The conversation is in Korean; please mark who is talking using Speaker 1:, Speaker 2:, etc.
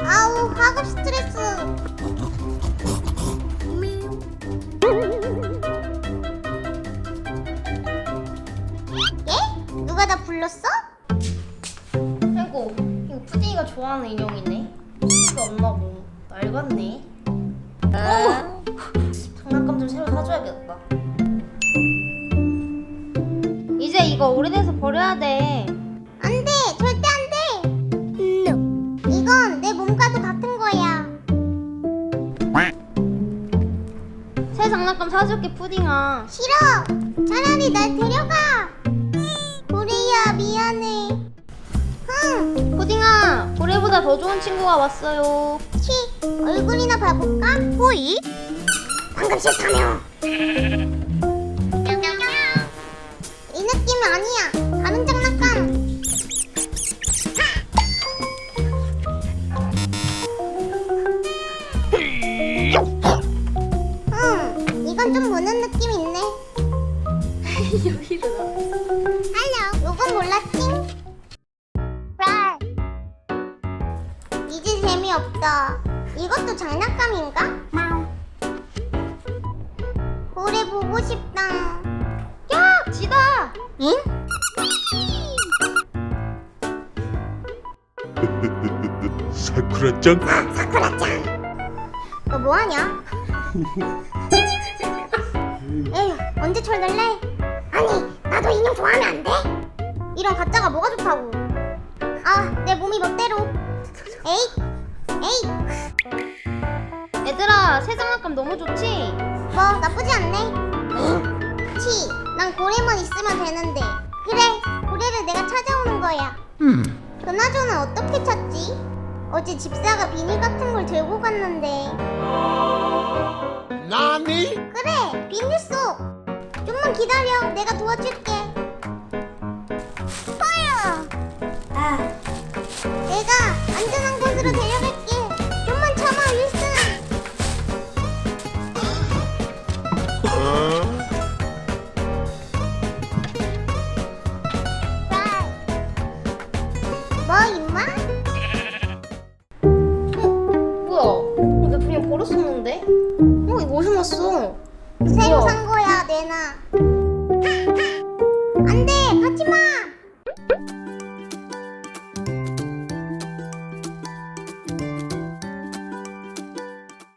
Speaker 1: 아우, 학업 스트레스. 예? 누가 나 불렀어?
Speaker 2: 아이고, 이거 푸딩이가 좋아하는 인형이네. 이게 없나고 낡았네. 장난감 좀 새로 사줘야겠다. 이제 이거 오래돼서 버려야 돼.
Speaker 1: 안 돼, 절대 안 돼. 이건 내 몸과도 같은 거야.
Speaker 2: 새 장난감 사줄게, 푸딩아.
Speaker 1: 싫어. 차라리 날 데려가. 고래야, 미안해. 흥,
Speaker 2: 푸딩아, 고래보다 더 좋은 친구가 왔어요.
Speaker 1: 치, 얼굴이나 봐볼까? 호이? 방금 싫다며. 이 느낌이 아니야. 다른 장난감. 이건 좀 무는 느낌 있네.
Speaker 2: 여기로 나왔어.
Speaker 1: 할로, 요건 몰랐지? 이제 재미없다. 이것도 장난감인가? 고래 보고 싶다.
Speaker 2: 야, 지다.
Speaker 1: 응?
Speaker 3: 사쿠라짱?
Speaker 1: 사쿠라짱. 너 뭐하냐? 에휴, 언제 철들래? 아니, 나도 인형 좋아하면 안 돼? 이런 가짜가 뭐가 좋다고. 아, 내 몸이 멋대로. 에잇, 에잇.
Speaker 2: 얘들아, 새 장난감 너무 좋지?
Speaker 1: 뭐 나쁘지 않네. 치, 난 고래만 있으면 되는데. 그래, 고래를 내가 찾아오는 거야. 그나저나 어떻게 찾지? 어제 집사가 비닐 같은 걸 들고 갔는데.
Speaker 3: 나니?
Speaker 1: 그래, 비닐 속. 좀만 기다려, 내가 도와줄게.